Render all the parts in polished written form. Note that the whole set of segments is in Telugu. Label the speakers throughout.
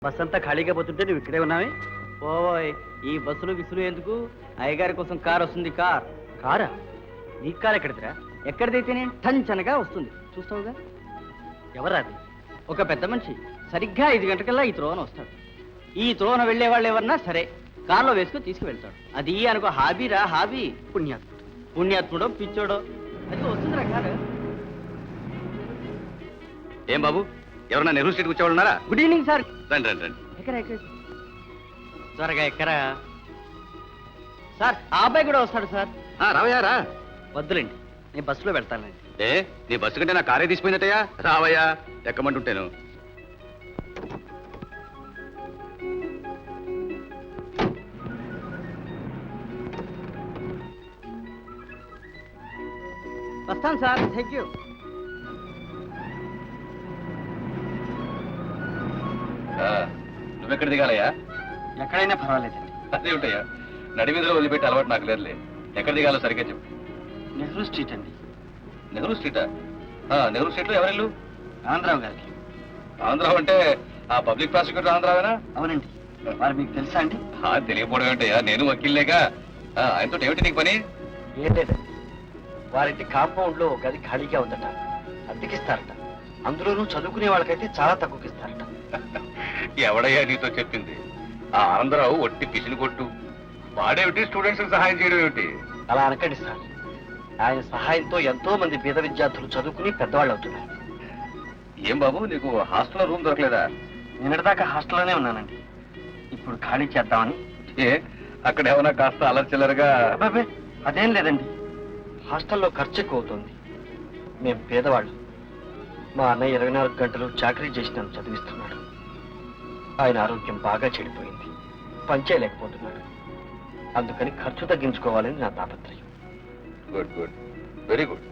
Speaker 1: బస్ అంతా ఖాళీగా పోతుంటే నువ్వు ఇక్కడే ఉన్నావే? ఓయ్, ఈ బస్సులు విసులు ఎందుకు? అయ్యగారి కోసం కార్ వస్తుంది. కారా? నీ కార్ ఎక్కడిదిరా? ఎక్కడిదైతేనే టంచనగా వస్తుంది, చూస్తావుగా. ఎవరాది? ఒక పెద్ద మనిషి సరిగ్గా 5 గంటకల్లా ఈ త్రోవన వస్తాడు. ఈ త్రోవన వెళ్లే వాళ్ళు ఎవరన్నా సరే కార్లో వేసుకుని తీసుకువెళ్తాడు. అది అనుకో హాబీరా, హాబీ. పుణ్యాత్ముడో పిచ్చోడో అది వస్తుందిరా కారు.
Speaker 2: ఏం బాబు, ఎవరన్నా నెహ్రూ స్ట్రీట్ వచ్చేవాళ్ళు ఉన్నారా?
Speaker 1: Good evening sir.
Speaker 2: రండి రండి రండి.
Speaker 1: ఎక్కరా త్వరగా ఎక్కరా సార్. ఆ అబ్బాయి కూడా వస్తాడు సార్.
Speaker 2: రావయ్యా రా.
Speaker 1: వద్దులేండి, నేను బస్సులో వెళ్తానండి.
Speaker 2: నీ బస్సు కంటే నా కారే తీసిపోయిందటయ్యా. రావయ్యా, ఎక్కమంటుంటాను.
Speaker 1: వస్తాను సార్. Thank you.
Speaker 2: నువ్వెక్కడ దిగాలయ్యా?
Speaker 1: ఎక్కడైనా పర్వాలేదండి.
Speaker 2: అదే ఉంటాయా, నడిమీదలో వదిలిపెట్టి అలవాటు నాకు లేదులే. ఎక్కడ దిగాలో సరిగ్గా చెప్పు.
Speaker 1: నెహ్రూ స్ట్రీట్ అండి.
Speaker 2: నెహ్రూ స్ట్రీటా? నెహ్రూ స్ట్రీట్లో ఎవరెళ్ళు?
Speaker 1: ఆంధ్రావు గారికి.
Speaker 2: ఆంధ్రావు అంటే ఆ పబ్లిక్ ప్రాసిక్యూటర్ ఆంధ్రావేనా?
Speaker 1: అవునండి. మరి మీకు తెలుసా అండి?
Speaker 2: తెలియకపోవడం ఏంటయ్యా, నేను వకీల్లేగా. ఆయనతో ఏమిటి నీకు పని?
Speaker 1: ఏం లేదండి, వారింటి కాంపౌండ్ లో గది ఖాళీగా ఉందట, అద్దెకిస్తారట. అందులోనూ చదువుకునే వాళ్ళకైతే చాలా తక్కువకిస్తారట.
Speaker 2: ఎవడయ్యా నీతో చెప్పింది? ఆ ఆంధ్రావు ఒట్టి పిసిని కొట్టు. వాడేమిటి స్టూడెంట్స్ సహాయం చేయడం ఏమిటి?
Speaker 1: అలా అనకండి సార్. ఆయన సహాయంతో ఎంతో మంది పేద విద్యార్థులు చదువుకుని పెద్దవాళ్ళు అవుతున్నారు.
Speaker 2: ఏం బాబు, నీకు హాస్టల్లో రూమ్ దొరకలేదా?
Speaker 1: నిన్నటిదాకా హాస్టల్లోనే ఉన్నానండి. ఇప్పుడు ఖాళీ చేద్దామని.
Speaker 2: అక్కడ ఏమన్నా కాస్త అలర్చిల్లరుగా?
Speaker 1: అబ్బాబే, అదేం లేదండి. హాస్టల్లో ఖర్చు ఎక్కువ అవుతుంది. మేము పేదవాళ్ళు. మా అన్నయ్య 24 గంటలు చాకరీ చేసి నన్ను చదివిస్తున్నాడు. ఆయన ఆరోగ్యం బాగా చెడిపోయింది, పనిచేయలేకపోతున్నాడు. అందుకని ఖర్చు తగ్గించుకోవాలని నా తాపత్రయం.
Speaker 2: Good good, very good.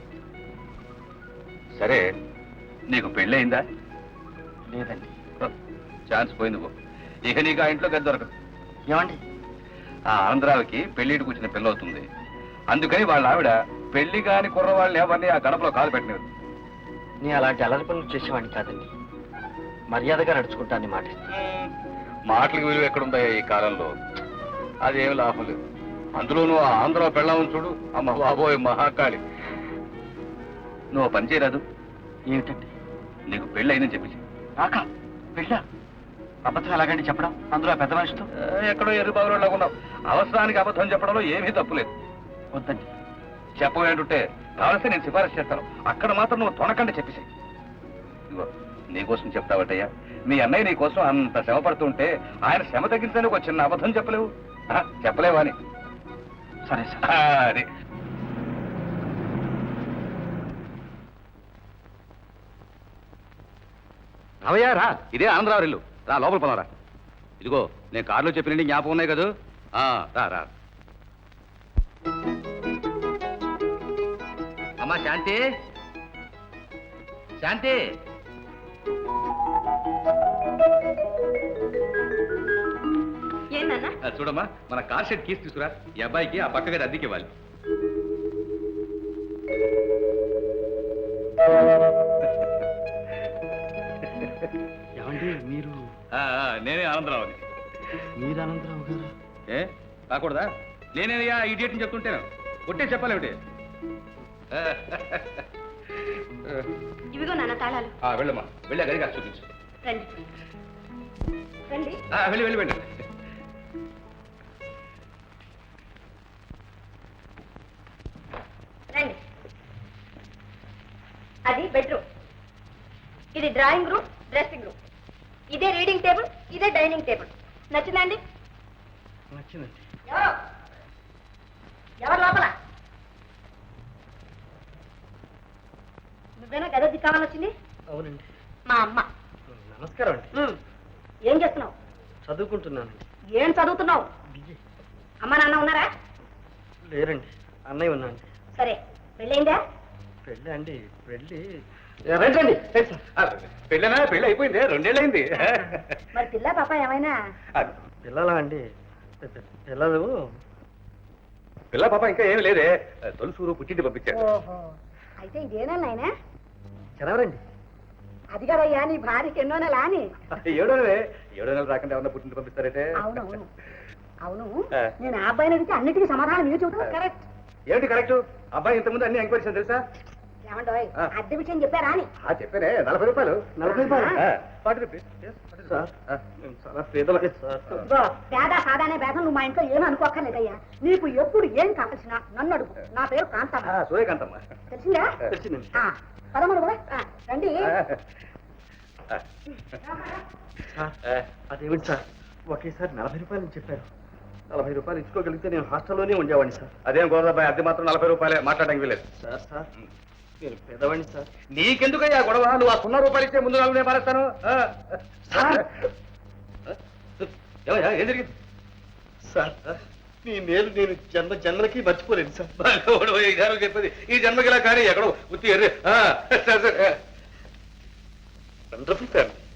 Speaker 2: సరే, నీకు పెళ్ళయిందా?
Speaker 1: లేదండి.
Speaker 2: ఛాన్స్ పోయింది బాబు. ఇక నీకు ఆ ఇంట్లో గది దొరకదు.
Speaker 1: ఏమండి?
Speaker 2: ఆ ఆంధ్రావికి పెళ్లికి కూర్చున్న పిల్లవుతుంది. అందుకని వాళ్ళ ఆవిడ పెళ్లి కాని కుర్రవాళ్ళని ఎవరిని ఆ గడపలో కాలు పెట్టినది.
Speaker 1: నేను అలాంటి అలరి పనులు చేసేవాడిని కాదండి. మర్యాదగా నడుచుకుంటానని మాటిస్తాను.
Speaker 2: మాటలకు విలువ ఎక్కడుందయ్యా ఈ కాలంలో? అదేమి లాభం లేదు. అందులోనూ ఆ ఆంధ్ర పెళ్ళామని చూడు, అమ్మ బాబోయ్ మహాకాళి. నువ్వు పని చేయరాదు.
Speaker 1: ఏమిటండి?
Speaker 2: నీకు పెళ్ళి అయిందని చెప్పేసి.
Speaker 1: నాకా పెళ్ళా? అబద్ధం ఎలాగండి చెప్పడం, అందులో పెద్ద మనిషితో?
Speaker 2: ఎక్కడో ఎరుబాబులాగా ఉన్నావు. అవసరానికి అబద్ధం చెప్పడంలో ఏమీ తప్పులేదు.
Speaker 1: వద్దండి.
Speaker 2: చెప్పబోయేంటుంటే కావలిస్తే నేను సిఫారసు చేస్తాను. అక్కడ మాత్రం నువ్వు తొనకండి చెప్పేసి. ఇదిగో, నీకోసం చెప్తావటయ్యా. మీ అన్నయ్య నీ కోసం అంత శ్రమ పడుతుంటే ఆయన శ్రమ తగ్గించడానికి ఒక చిన్న అబద్ధం చెప్పలేవు? చెప్పలేవా అని?
Speaker 1: సరే సార్.
Speaker 2: అది రావయ్యా రా. ఇదే ఆంధ్రావు ఇల్లు. రా, లోపల పోనరా. ఇదిగో, నేను కారులో చెప్పినండి జ్ఞాపకం ఉన్నాయి కదా. రా రా. అమ్మా శాంతి, శాంతి. చూడమ్మా, మన కార్ షెడ్ కీస్ తీసుకురా. ఈ అబ్బాయికి ఆ పక్క గది అద్దెకి ఇవ్వాలి.
Speaker 1: ఏమండి మీరు?
Speaker 2: నేనే ఆనందరావుని.
Speaker 1: మీరు అనంతరావు గారు?
Speaker 2: కాకూడదా? నేనేనయ్యా ఇడియట్ అని చెప్తుంటాను. కొట్టే చెప్పాలి ఏమిటి?
Speaker 3: ఇవిగో నాన్న తాళాలు.
Speaker 2: వెళ్ళమ్మా, వెళ్ళా గదిగా చూపించు.
Speaker 3: రండి రండి.
Speaker 2: వెళ్ళి వెళ్ళి వెళ్ళండి.
Speaker 3: రండి. అది బెడ్రూమ్, ఇది డ్రాయింగ్ రూమ్, డ్రెస్సింగ్ రూమ్. ఇదే రీడింగ్ టేబుల్, ఇదే డైనింగ్ టేబుల్. నచ్చిందండి?
Speaker 1: నచ్చిందండి.
Speaker 3: ఎవరు లోపల? నువ్వేనా గది కావాలని వచ్చింది?
Speaker 1: అవునండి.
Speaker 3: మా అమ్మ.
Speaker 1: నమస్కారం అండి.
Speaker 3: ఏం చేస్తున్నావు?
Speaker 1: చదువుకుంటున్నానండి.
Speaker 3: ఏం చదువుతున్నావు? అమ్మ నాన్న ఉన్నారా?
Speaker 1: లేరండి, అన్నయ్య ఉన్నాండి.
Speaker 3: సరే, పెళ్ళైందా?
Speaker 1: పెళ్ళి అండి? పెళ్ళి
Speaker 2: రండి. పెళ్ళనా? పెళ్ళి అయిపోయింది, 2 ఏళ్ళు అయింది.
Speaker 3: మరి పిల్ల పాప ఏమైనా?
Speaker 1: పిల్లలా అండి? పిల్లలు
Speaker 2: పిల్ల పాప ఇంకా ఏమి లేదే. తొలుసూరు పుట్టింటి పంపించారు.
Speaker 3: ఓహో, అయితే ఇదేనా నాయనా?
Speaker 1: చదవరండి.
Speaker 4: అది కదయ్యా నీ భార్యకి ఎన్నో నెల అని
Speaker 2: 7 నెలలు రాకుండా ఏమన్నా పుట్టింటి పంపిస్తారంటే
Speaker 4: అవునవును అవును నేను ఆ అబ్బాయిని అడిగితే అన్నిటికీ సమాధానం మీరు చెబుతున్నారు కరెక్ట్
Speaker 2: ఏమిటి కరెక్ట్? అబ్బాయి ఇంతకుముందు అన్ని ఎంక్వైరీస్ తెలుసా?
Speaker 4: ఏమంటావు అద్దె విషయం చెప్పారా అని
Speaker 2: చెప్పానే 40 రూపాయలు.
Speaker 1: 40 రూపాయలు?
Speaker 2: 40 రూపీస్.
Speaker 1: సార్ మేము చాలా పేదలకే సార్.
Speaker 4: ఇదిగో పేద సాదానే భేదం నువ్వు మా ఇంట్లో ఏమీ అనుకోక్కర్లేదయ్యా నీకు ఎప్పుడు ఏం కావాల్సిన నన్ను అడుగు నా పేరు కాంతమ్మ
Speaker 2: సూర్యకాంతమ్మ.
Speaker 4: తెలిసిందా
Speaker 1: తెలిసిందండి.
Speaker 4: పదమూడు కూడా రండి
Speaker 1: సార్ అదేమిటి సార్ ఒకేసారి 40 రూపాయలు చెప్పారు. 40 రూపాయలు ఇచ్చుకోగలిగితే నేను హాస్టల్లోనే ఉండేవాడిని సార్.
Speaker 2: అదేం గోదాబాయ్, అద్దె మాత్రం 40 రూపాయలే, మాట్లాడడానికి వీలేదు.
Speaker 1: సార్ సార్ నేను పేదవాడిని సార్.
Speaker 2: నీకెందుకయ్యా గొడవ? నువ్వు ఆ 0 రూపాయలు ఇచ్చే ముందు 4 నేను పారేస్తాను. ఏమయ్యా, ఏం జరిగింది?
Speaker 1: సార్ నీ మేలు నేను జన్మలకి మర్చిపోలేను సార్.
Speaker 2: భగవాడు, ఈ జన్మకి చెప్పేది ఈ జన్మకి ఇలా కానీ ఎక్కడో ఉత్తి ఎర్రే.
Speaker 1: Wonderful family.